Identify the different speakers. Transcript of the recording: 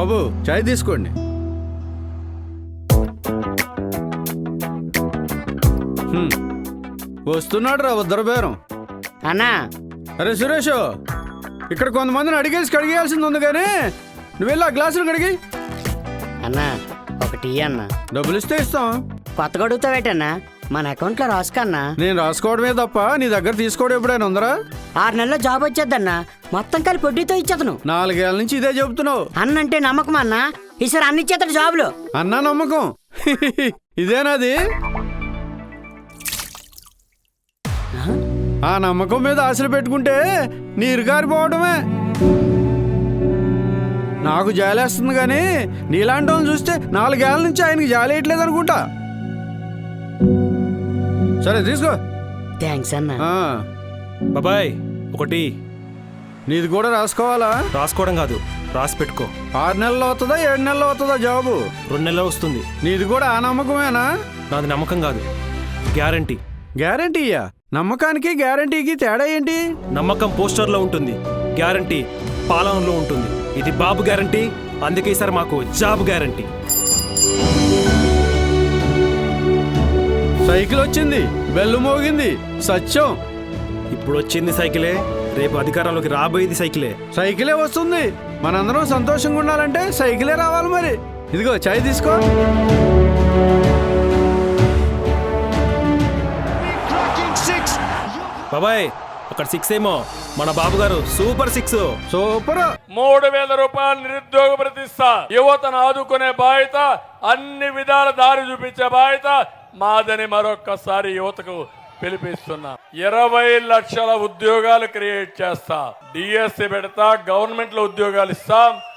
Speaker 1: బాబు చాయ్ తీసుకోండి. వస్తున్నాడు రా ఉద్దరు బేరం.
Speaker 2: అన్నా
Speaker 1: అరే సురేష్, ఇక్కడ కొంతమందిని అడిగేసి కడిగేయాల్సింది ఉంది కానీ నువ్వు వెళ్ళి ఆ గ్లాసులు కడిగి.
Speaker 2: అన్నా ఒక టీ అన్న.
Speaker 1: డబ్బులు ఇస్తే ఇస్తాం.
Speaker 2: కొత్తగా అడుగుతావేటన్నా? మన అకౌంట్లో రాసుకన్నా.
Speaker 1: నేను రాసుకోవడమే తప్ప నీ దగ్గర తీసుకోవడం ఎప్పుడైనా ఉందరా?
Speaker 2: 6 నెలల్లో జాబ్ వచ్చేద్దన్నా. మొత్తం కలిపి వడ్డీతో ఇచ్చేతను.
Speaker 1: 4 ఏళ్ళ నుంచి ఇదే చెబుతున్నావు.
Speaker 2: అన్నంటే నమ్మకం అన్నా. ఈసారి అన్ని ఇచ్చేతడు జాబులు.
Speaker 1: అన్నా నమ్మకం ఇదేనాది? ఆ నమ్మకం మీద ఆశలు పెట్టుకుంటే నీరు కారిపోవడమే. నాకు జాలేస్తుంది కానీ నీలాంటి వాళ్ళని చూస్తే 4 ఏళ్ళ నుంచి ఆయనకి జాలేయట్లేదు అనుకుంటా. సరే తీసుకో.
Speaker 2: థ్యాంక్స్ అన్నా.
Speaker 3: బాబాయ్ ఒకటి.
Speaker 1: నీది కూడా రాసుకోవాలా?
Speaker 3: రాసుకోవడం కాదు, రాసి పెట్టుకో.
Speaker 1: 6 నెలలు అవుతుందా 7 నెలలు అవుతుందా జాబు?
Speaker 3: 2 నెలలు వస్తుంది.
Speaker 1: నీది కూడా ఆ నమ్మకమేనా?
Speaker 3: నాది నమ్మకం కాదు, గ్యారంటీ.
Speaker 1: గ్యారంటీయా? నమ్మకానికి గ్యారంటీకి తేడా ఏంటి?
Speaker 3: నమ్మకం పోస్టర్లో ఉంటుంది, గ్యారంటీ పాలనలో ఉంటుంది. ఇది బాబు గ్యారంటీ, అందుకే ఈసారి మాకు జాబ్ గ్యారంటీ.
Speaker 1: సైకిల్ వచ్చింది, బెల్లు మోగింది, సత్యం.
Speaker 3: ఇప్పుడు వచ్చింది సైకిలే, రేపు అధికారంలోకి రాబోయేది సైకిలే.
Speaker 1: సైకిలే వస్తుంది. మనందరం సంతోషంగా ఉండాలంటే సైకిలే రావాలి. మరి ఇదిగో చాయ్ తీసుకో.
Speaker 3: బాబాయ్ అక్కడ 6 ఏమో, మన బాబు గారు సూపర్ 6.
Speaker 1: సూపర్.
Speaker 4: 3000 రూపాయలు నిరుద్యోగ ప్రతిష్ట. యువతను ఆదుకునే బాధ్యత, అన్ని విధాల దారి చూపించే బాధ్యత మాదని మరొక్కసారి యువతకు పిలిపిస్తున్నా. 20 లక్షల ఉద్యోగాలు క్రియేట్ చేస్తా. డిఎస్సి పెడతా, గవర్నమెంట్ లో ఉద్యోగాలు ఇస్తాం.